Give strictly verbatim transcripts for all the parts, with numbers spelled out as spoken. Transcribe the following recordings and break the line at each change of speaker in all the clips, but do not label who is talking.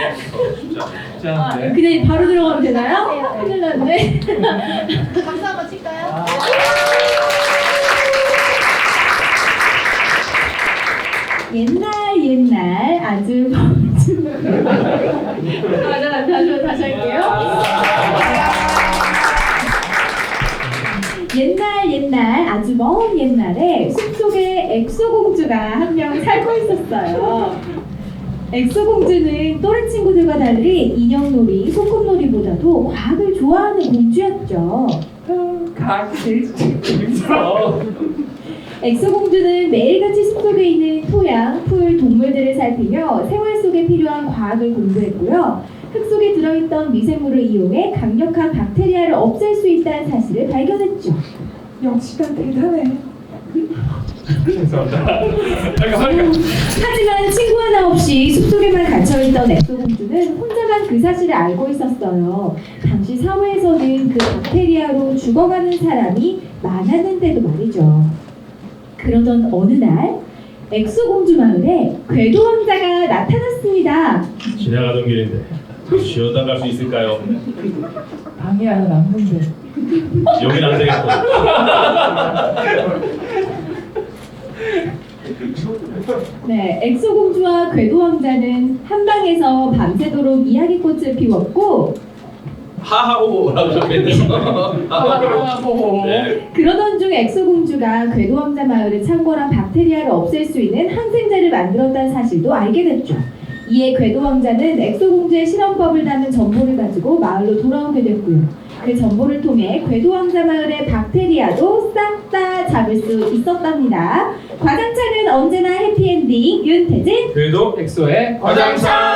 아, 그냥 바로 들어가면 되나요? 큰일 났네.
박수 한번 칠까요?
아. 옛날 옛날 아주 아, 자, 다시 다시 할게요. 옛날 옛날 아주 먼 옛날에 숲속에 엑소 공주가 한 명 살고 있었어요. 엑소 공주는 또래 친구들과 달리 인형놀이, 소꿉놀이보다도 과학을 좋아하는 공주였죠.
과학이 제일 재밌어.
엑소 공주는 매일같이 숲속에 있는 토양, 풀, 동물들을 살피며 생활 속에 필요한 과학을 공부했고요. 흙 속에 들어있던 미생물을 이용해 강력한 박테리아를 없앨 수 있다는 사실을 발견했죠.
역시 난 대단해. 죄송합니다.
하지만 친구 하나 없이 숲속에만 갇혀있던 엑소 공주는 혼자만 그 사실을 알고 있었어요. 당시 사회에서는 그 박테리아로 죽어가는 사람이 많았는데도 말이죠. 그러던 어느 날 엑소 공주 마을에 궤도 왕자가 나타났습니다.
지나가던 길인데 쉬어다 갈 수 있을까요?
방이 하나 남는데.
여긴 안 되겠고.
네, 엑소 공주와 궤도 왕자는 한 방에서 밤새도록 이야기꽃을 피웠고
하하오라고 적혀있네요.
하하호.
네.
그러던 중 엑소 공주가 궤도 왕자 마을을 창궐한 박테리아를 없앨 수 있는 항생제를 만들었다는 사실도 알게 됐죠. 이에 궤도 왕자는 엑소 공주의 실험법을 담은 정보를 가지고 마을로 돌아오게 됐고요. 그 정보를 통해 궤도 왕자 마을의 박테리아도 싹 다 잡을 수 있었답니다. 과장창은 언제나 해피엔딩 윤태진.
그래도
엑소의
과장창.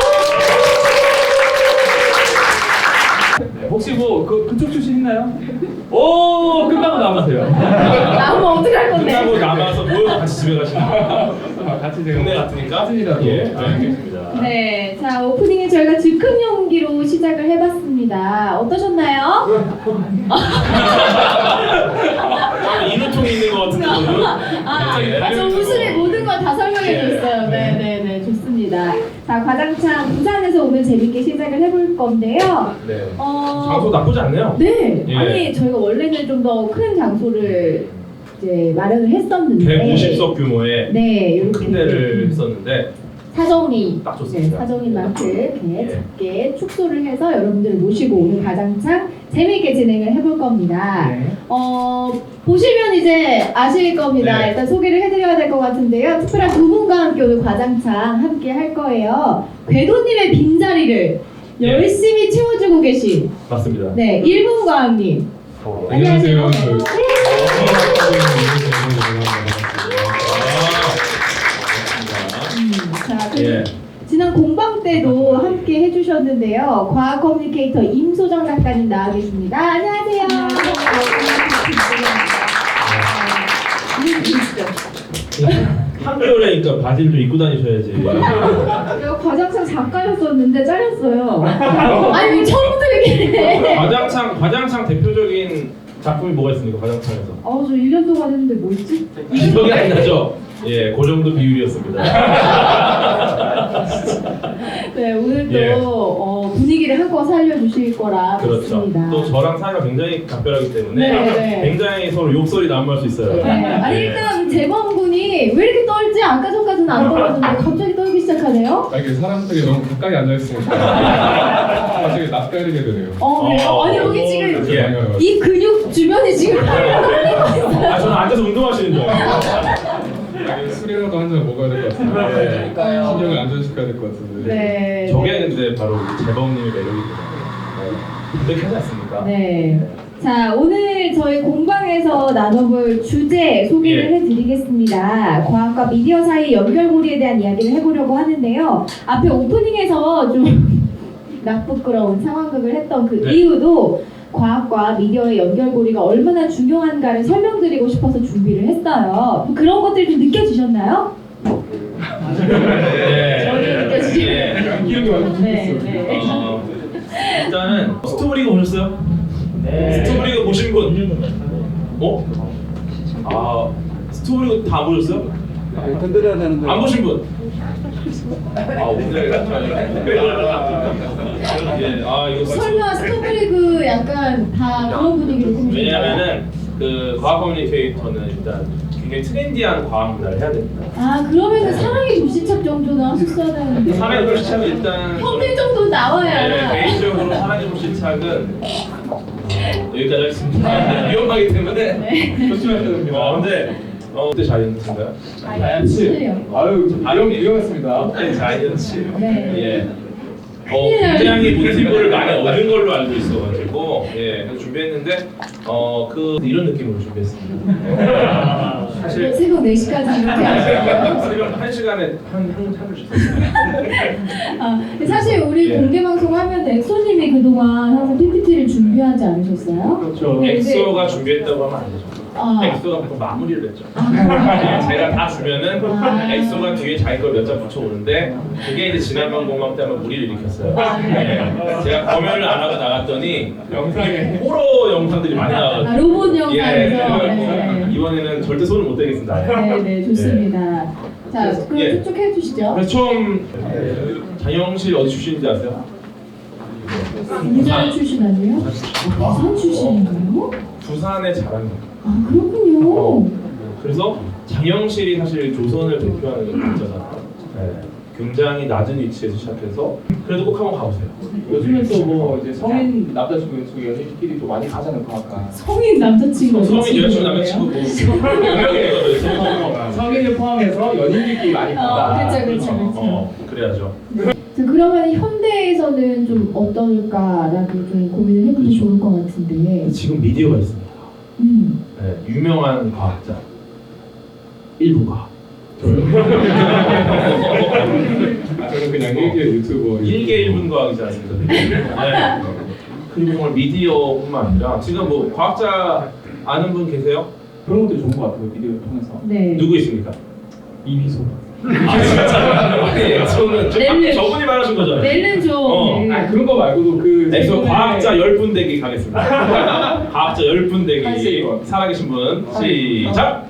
네, 혹시 뭐 그, 그쪽 출신 있나요? 오 끝나고 남으세요.
나오면 어떡할 건데?
끝나고 남아서 모여서 같이 집에 가시는 거예요.
같이 제가
동네 같으니까.
사진이라도.
예, 알겠습니다.
네, 자 오프닝에 저희가 즉흥 연기로 시작을 해봤습니다. 어떠셨나요?
인후통이 있는 것 같은데 저는.
아,
예.
아, 저 웃음의 모든 걸 다 설명해줬어요. 네, 네, 네, 좋습니다. 자, 과장창 부산에서 오늘 재밌게 시작을 해볼 건데요.
네.
어,
장소 나쁘지 않네요.
네,
예.
아니 저희가 원래는 좀 더 큰 장소를 이제 마련을 했었는데
백오십 석 규모의
네,
큰
이렇게
데를 했었는데
사정이
딱
네,
좋습니다.
사정인 만큼 이렇게
예.
작게 축소를 해서 여러분들을 모시고 오늘 가장창 재미있게 진행을 해볼 겁니다.
네.
어, 보시면 이제 아실 겁니다.
네.
일단 소개를 해드려야 될 것 같은데요. 특별한 두 분과 함께 오늘 과장창 함께 할 거예요. 궤도님의 빈자리를
예.
열심히 채워주고 계신
맞습니다.
네, 일본 과학님.
어,
안녕하세요.
안녕하세요. 저-
음, 자, 그리고
예.
지난 공방 때도 함께 해주셨는데요. 과학 커뮤니케이터 임소정 작가님 나와 계십니다. 안녕하세요.
한겨울이니까 바지를 좀 입고 다니셔야지.
내가 과장창 작가였었는데 잘렸어요. 아니 왜 처음부터 얘기해?
과장창 과장창 대표적인 작품이 뭐가 있습니까? 과장창에서
아, 저 일 년 동안 했는데 뭐 있지?
기억이 안 나죠? 예, 그 정도 비율이었습니다.
네, 오늘도
예.
어, 분위기를 한껏 살려주실 거라
그렇죠.
믿습니다.
또 저랑 사이가 굉장히 각별하기 때문에
네, 네.
굉장히 서로 욕설이 난무할 수 있어요.
네. 아니
예.
일단 재범 군이 왜 이렇게 떨지? 아까 전까지는 안 떨었는데 갑자기 떨기 시작하네요.
아, 이게 사람들이 너무 가까이 앉아 있으니까 갑자기 낯가리게 되네요.
어, 그래요?
어,
아니 여기
어,
지금
예.
이 근육 주변이 지금 팔이 떨리고 있어요.
아, 저는 앉아서 운동하시는 줄 알아요.
이게 술이라도 한 잔 먹어야 될 것 같은데 신경을 안전시켜야 될 것 같은데
네.
저게 근데 바로 재범님의 매력이거든요. 그렇게 하지 않습니까?
네. 자, 오늘 저희 공방에서 나눠볼 주제 소개를
예.
해드리겠습니다. 과학과 미디어 사이 연결고리에 대한 이야기를 해보려고 하는데요. 앞에 오프닝에서 좀 낙부끄러운 상황극을 했던 그
네.
이유도 과학과 미디어의 연결고리가 얼마나 중요한가를 설명드리고 싶어서 준비를 했어요. 그런 것들이 좀 느껴지셨나요?
네.
저는 느껴지죠.
예.
기억이 완전
네,
좋겠어요.
네.
어, 일단은 스토브리그 보셨어요? 네. 스토브리그 보신 분? 어? 아, 스토브리그 다 보셨어요?
건드려야 되는데.
안 보신 분? 아 오늘 예, 아 이거
설마 스토브리그 약간 다 그런 분위기로 꾸미셨나요?
왜냐면은 그 과학 커뮤니케이터는 일단 굉장히 트렌디한 과학 문화를 해야 됩니다.
아 그러면 사랑의 불시착 정도는 하셨어야 되는데
사랑의 불시착은 일단
평균 정도 나와야
네, 개인적으로 사랑의 불시착은 여기까지 하겠습니다. 위험하기 때문에 조심하셔야 됩니다. 어, 근데 어 그때 자이언츠인가요?
자이언츠.
아유
아유,
위험했습니다.
그때 자이언츠.
네.
예. 어, 굉장히 모티브를 많이 얻은 걸로 알고 있어가지고 예, 그래서 준비했는데 어, 그 이런 느낌으로 준비했습니다. 사실
새벽 네 시까지 이렇게 하시고요.
새벽 한 시간에 한한 차를 주셨어요.
아, 사실 우리
예.
공개 방송 하면 엑소님이 그동안 항상 피피티를 준비하지 않으셨어요?
그렇죠.
네,
엑소가 준비했다고 하면 안 되죠.
아.
엑소가 보통 마무리를 했죠.
아.
예, 제가 다 주면은
아.
엑소가 뒤에 자기 걸 몇 장 붙여오는데 그게 이제 지난번 공방 때 한번 무리를 일으켰어요. 예, 제가 검열을 안 하고 나갔더니 영상에 호러 영상들이 많이 나와가지고
아, 로봇 영상에서
예,
네.
이번에는 절대 손을 못 대겠습니다.
네, 네, 좋습니다. 자, 그럼
예.
쭉쭉 해주시죠.
그래서 처음 장영실 어디 출신인지 아세요?
부산 출신 아니에요? 부산 출신인가요?
부산의 자랑입니다.
아, 그렇군요.
그래서 장영실이 사실 조선을 대표하는 강자잖아요. 네. 굉장히 낮은 위치에서 시작해서 그래도 꼭 한번 가보세요.
요즘엔 또 뭐 이제 성인 남자친구 여자친구 연인끼리 또 많이 가잖아요 과학관.
성인 남자친구.
성인 여자친구 남자친구 뭐 명명이거든요.
성인을 포함해서 연인들끼리 많이
어,
간다.
그렇죠, 그렇죠, 그렇죠.
어, 그래야죠.
자, 그러면 현대에서는 좀 어떨까라고 좀 고민을 해보면
그렇죠.
좋을 것 같은데.
지금 미디어가 있습니다.
음.
네, 유명한 과학자 일부 과학.
저는 그냥 일개 유튜버.
일개 일분 과학이지 않습니까? 네. 그리고 정말 미디어뿐만 아니라 지금 뭐 과학자 아는 분 계세요?
그런 것들이 좋은 것 같아요 비디오를 통해서.
네.
누구 있습니까?
이미소.
아 진짜? 아니 저는 저,
넬름.
저분이 말하신 거잖아요.
넬른 좀.
어.
네.
아 그런 거 말고도 그.
엑소
최근에
과학자 열 분 대기 가겠습니다. 과학자 열 분 대기
할수
살아계신 분 시작.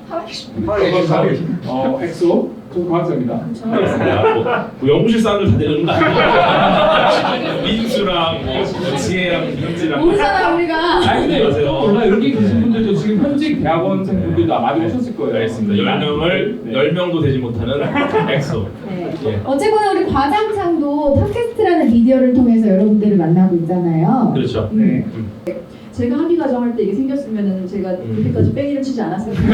어 엑소 저 과학자입니다.
알겠습니다. 뭐, 뭐 연구실 사람들 다 내려오는 거 아니에요? 민수랑 뭐, 뭐 지혜랑 민지랑
모르잖아 우리가.
아니 근데
안녕하세요.
또 몰라 여기 계신 분들도 지금 현직 대학원생 분들도 많이 오셨을 거예요.
알겠습니다. 열 명을
네.
열 명도 되지 못하는 엑소.
네.
예.
어쨌거나 우리 과장창도 팟캐스트라는 미디어를 통해서 여러분들을 만나고 있잖아요.
그렇죠.
네.
제가 합의 과정할 때 이게 생겼으면은 제가
음.
그때까지 뺑이를 치지 않았을 텐데.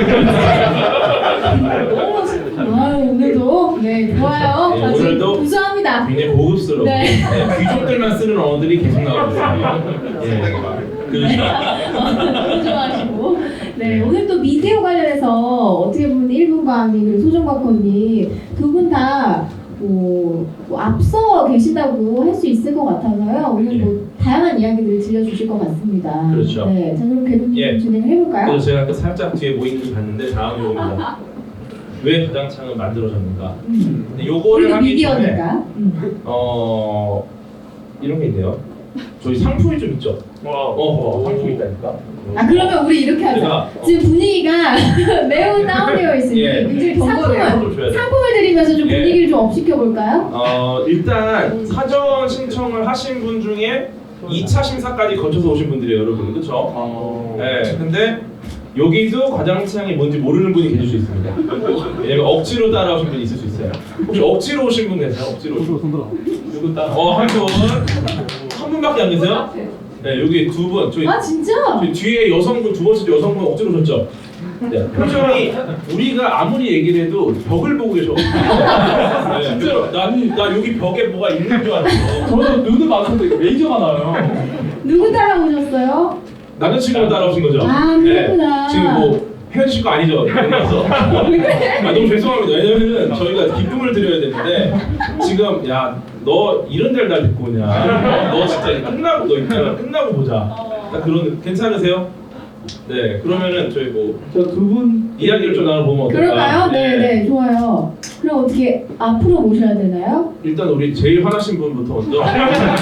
너무 멋있다.
아 오늘도 네 좋아요.
네,
아주
오늘도
구수합니다.
굉장히 고급스러워.
네.
네, 귀족들만 쓰는 언어들이 계속 나오고 있어요. 예. 그렇죠.
너무 좋아하시고 네 오늘 또 미디어 관련해서 어떻게 보면 일분과학님 그리고 소정박헌님 두 분 다 뭐, 뭐 앞서 계시다고 할 수 있을 것 같아서요. 오늘 뭐 다양한 이야기들을 들려주실 것 같습니다.
그렇죠.
네, 자 그럼 궤도님
예.
진행을 해볼까요?
그래서 제가 그 살짝 뒤에 모임을 봤는데 다음 요겁니다. 왜 가장창을 만들어졌는가?
음.
근데 요거를
우리도
하기 전에
미디어니까. 음.
어 이런 게 있네요. 저희 상품이 좀 있죠. 어, 상품이 있다니까.
아 그러면 우리 이렇게 하자.
제가-
지금 분위기가 매우 다운되어 있으니
예.
굉장히
상품을
상품을
줘야 돼.
상품을 드리면서 좀
예.
분위기를 좀 업시켜 볼까요?
어 일단 사전 신청을 하신 분 중에 이 차 심사까지 거쳐서 오신 분들이에요, 여러분. 그렇죠?
어.
네. 근데 여기도 과장창이 뭔지 모르는 분이 계실 수 있습니다. 왜냐면 억지로 따라오신 분이 있을 수 있어요. 혹시 억지로 오신 분 계세요? 억지로 오신 분.
누구 따라?
어, 한 분. 한 분밖에 안 계세요? 네, 여기 두 분. 저희,
아 진짜?
저희 뒤에 여성분, 두 번째 여성분 억지로 오셨죠? 네, 표정이 우리가 아무리 얘기를 해도 벽을 보고 계셔. 네, 그래서 나, 나 여기 벽에 뭐가 있는 줄 알았어.
저는 눈을 맞췄는데 레이저가 나요.
누구 따라오셨어요?
남자친구가 따라오신 거죠?
아, 그렇구나.
네, 지금 뭐 헤어질 거 아니죠? 그래서 아, 너무 죄송합니다. 왜냐면은 저희가 기쁨을 드려야 되는데 지금 야 너 이런 데를 날 데리고 오냐? 너 진짜 끝나고 너 있잖아 끝나고 보자. 딱 그런 괜찮으세요? 네 그러면은 저희 뭐
저 두 분
이야기를 좀 나눠보면 어떨까?
그럴까요? 네, 네, 좋아요. 그럼 어떻게 앞으로 모셔야 되나요?
일단 우리 제일 화나신 분부터 먼저 네.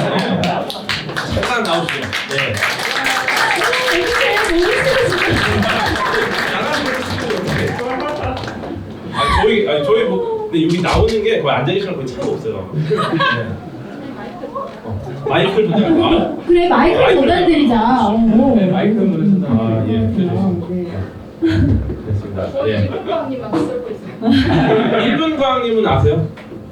잠깐 나오시죠. 네. 아 저희 아니 저희 뭐 근데 여기 나오는 게 거의 앉아 계시는 거의 차가 없어요. 네. 어, 마이크를 전달. 아,
그래 마이크를
마이크를
전달드리자. 어.
네, 마이크를 전달.
아 예,
아,
그렇습니다.
네.
됐습니다.
저희
예.
일분광님만 쓰고 있어요.
일분 광님은 아세요?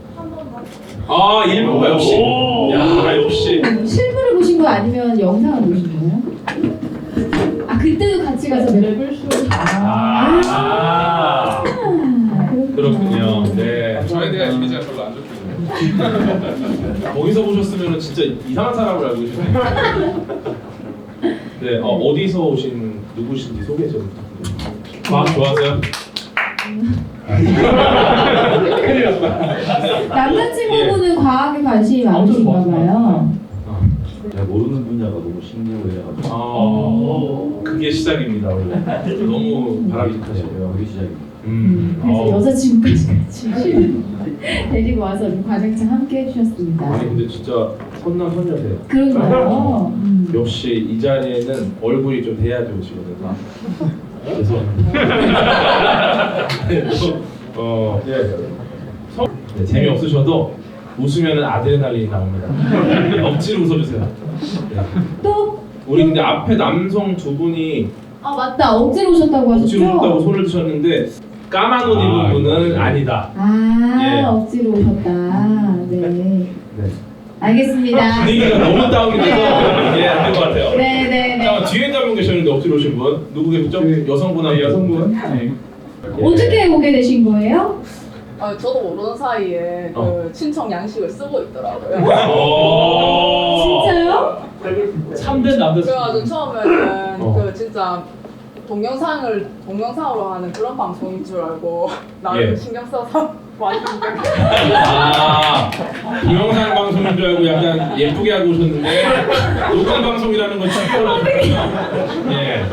아 일분과 역시. 야 역시.
실물을 보신 거 아니면 영상을 보신 거예요? 아 그때도 같이 가서 랩을 쇼. 아,
아, 그렇군요. 네.
저에 대한 이미지가 별로 안 좋거든요.
거기서 보셨으면 진짜 이상한 사람을 알고 계셨네요. 네, 어, 어디서 오신 누구신지 소개 좀 부탁드립니다. 과학 좋아하세요? 큰일 났다.
남자친구분은 과학에 관심이 많으신가 봐요.
제가 모르는 분야가 너무 신기하고 해가지고
어, 그게 시작입니다 원래. 너무 바람직하시고요.
그게 시작입니다.
음,
그래서
어.
여자친구까지 같이 데리고 와서 과장창 함께 해주셨습니다.
아니 근데 진짜 선남선녀세요.
그런가요? 음.
역시 이 자리에는 얼굴이 좀 돼야 좋으시거든요.
죄송합니다.
어, 예. 성- 네, 재미없으셔도 웃으면 아드레날린이 나옵니다. 억지로 웃어주세요. 네.
또?
우리 근데 앞에 남성 두 분이
아 맞다 억지로 오셨다고
억지로
하셨죠?
웃다고 손을 드셨는데 까만 옷 입은
아,
분은
이거.
아니다.
아
예.
억지로 오셨다. 네.
네.
알겠습니다.
분위기가 너무 다운이 돼서 예, 안 될 것 같아요.
네네네.
잠깐 뒤에 한 분 계셨는데 억지로 오신 분 누구 계셨죠? 여성분 한
네,
분.
여성분. 네.
예.
어떻게 오게 되신 거예요?
아, 저도 모르는 사이에 그
어.
친청 양식을 쓰고 있더라고요.
오.
진짜요?
참된 남자친구.
그래가지고 처음에는
어.
그 진짜 동영상을 동영상으로 하는 그런 방송인 줄 알고 나를
예.
신경 써서 왔는데
아, 동영상 방송인 줄 알고 약간 예쁘게 하고 오셨는데 녹음 방송이라는 건 충격을 예.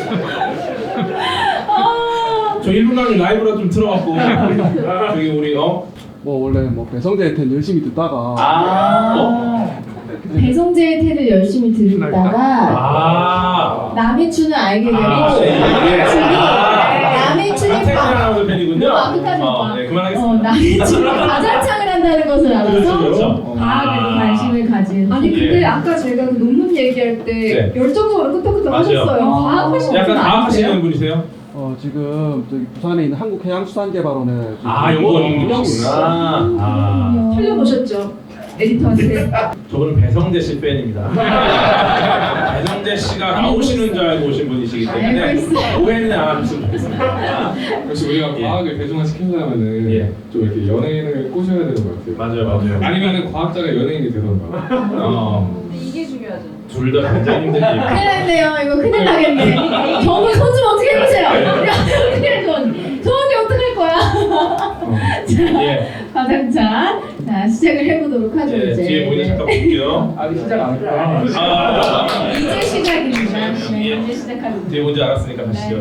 아,
저 일 분 강의 라이브라 좀 틀어갖고 저기 우리 어?
뭐 원래 뭐 배성재 텐 열심히 듣다가
아, 어?
배성재의 태를 열심히 들었다가
아,
남이춘을 알게 되고
아, 네.
남이춘이
아.
남이춘이
한태진
바-
아나운서 팬이군요.
너무 아득하지
어,
마.
네,
어,
그만하겠습니다.
남이춘이 가장창을 한다는 것을 알아서
그렇죠, 그렇죠.
과학에도
아.
관심을 가진.
아니 근데
예.
아까 제가 그 논문 얘기할 때
네.
열정적으로 끄떡끄떡
맞아요.
하셨어요.
어.
과학하시는
약간
분 아니세요?
과학하시는 분이세요?
어 지금 저기 부산에 있는 한국해양수산개발원에
아, 연구원이시구나. 아,
살려보셨죠? 에디터한테.
저분은 배성재 씨 팬입니다. 배성재 씨가 나오시는 줄 알고 오신 분이시기 때문에
알고 있어요.
오해는 안 하셨으면 좋겠습니다.
역시 우리가
예.
과학을 대중화 시키려면은
예.
좀 이렇게 연예인을 꼬셔야 되는 것 같아요.
맞아요, 맞아요.
아니면은 과학자가 연예인이 되던가.
어,
근데 이게 중요하죠.
둘 다 굉장히 힘든 일.
큰일 났네요. 이거 큰일 나겠네. 저분 손 좀 어떻게 해보세요. 야, 큰일 손. 손이 어떡할 거야. 자,
예,
과장창. 자, 시작을 해보도록 하죠,
예,
이제.
뒤에 보이는 잠깐 볼게요.
아직 시작 안 했어요.
아,
이제 시작입니다. 네,
예.
이제 시작합니다.
뒤에 뭔지 알았으니까 가시죠.